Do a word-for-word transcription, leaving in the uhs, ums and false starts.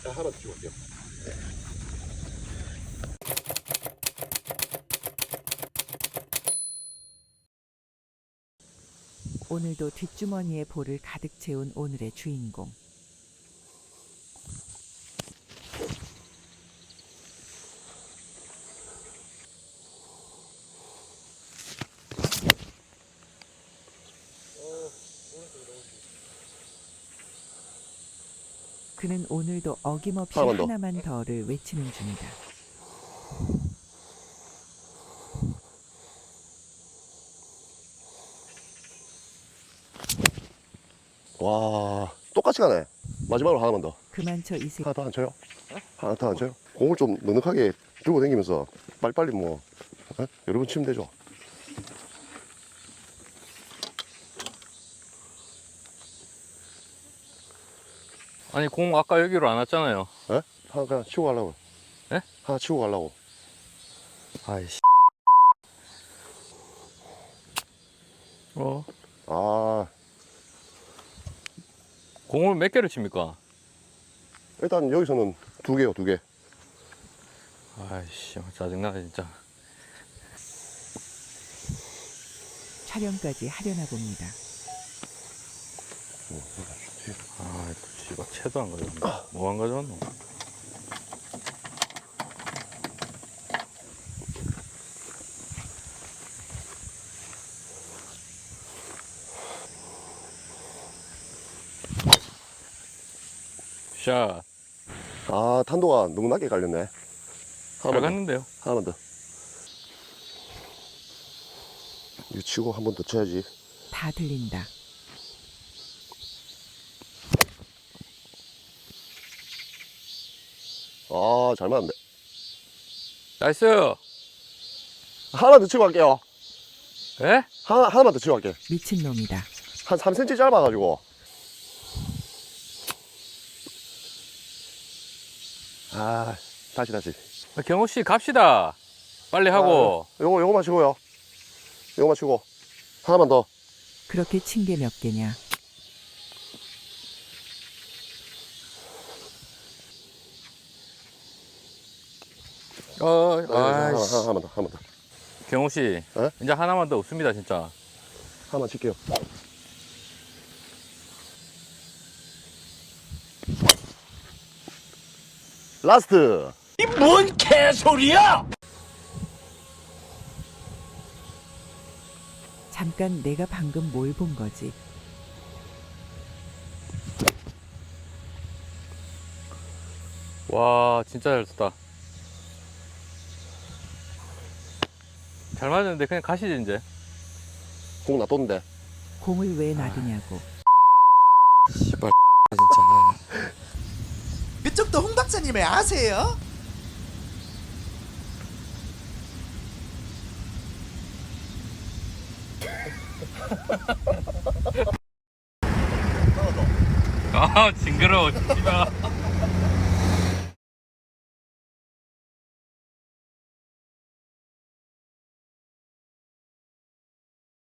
자, 하나 더 찍을게요. 오늘도 뒷주머니에 볼을 가득 채운 오늘의 주인공. 그는 오늘도 어김없이 하나만 더. 하나만 더를 외치는 중이다. 와, 똑같이 가네. 마지막으로 하나만 더. 그만쳐 이 새끼. 하나 더 안 쳐요? 하나 더 안 쳐요? 공을 좀 넉넉하게 들고 다니면서 빨리빨리 뭐 어? 여러 번 치면 되죠. 아니 공 아까 여기로 안 왔잖아요. 예? 하나 그냥 치고 가려고. 예? 하나 치고 가려고. 아이씨. 어? 아, 공을 몇 개를 칩니까? 일단 여기서는 두 개요, 두 개. 아이씨 짜증나네 진짜. 촬영까지 하려나 봅니다. 아 씨발 채도 안 가져왔네. 뭐 안 가져왔노? 샷. 아, 탄도가 너무 낮게 갈렸네. 잘 하나만 더. 갔는데요. 하나만 더. 이거 치고 한 번 더 쳐야지. 다 들린다. 아, 잘 맞네. 나이스. 하나 더 치고 갈게요. 에? 하나, 하나만 더 치고 갈게. 미친놈이다. 한 삼 센티미터 짧아가지고. 아, 다시, 다시. 경호 씨 갑시다. 빨리 하고. 아, 요거, 요거 마시고요. 요거 마시고. 하나만 더. 그렇게 친 게 몇 개냐. 어, 하나, 하나, 아이씨. 하나만 더, 하나만 더. 경호 씨, 에? 이제 하나만 더 없습니다 진짜. 하나만 칠게요. 라스트. 이 뭔 개소리야! 잠깐 내가 방금 뭘 본 거지. 와 진짜 잘 쳤다. 잘 맞았는데 그냥 가시지 이제. 공 놔뒀는데. 공을 왜 놔두냐고. 씨발 진짜. 그쪽도 홍 박사님을 아세요? 아 징그러워 씨발.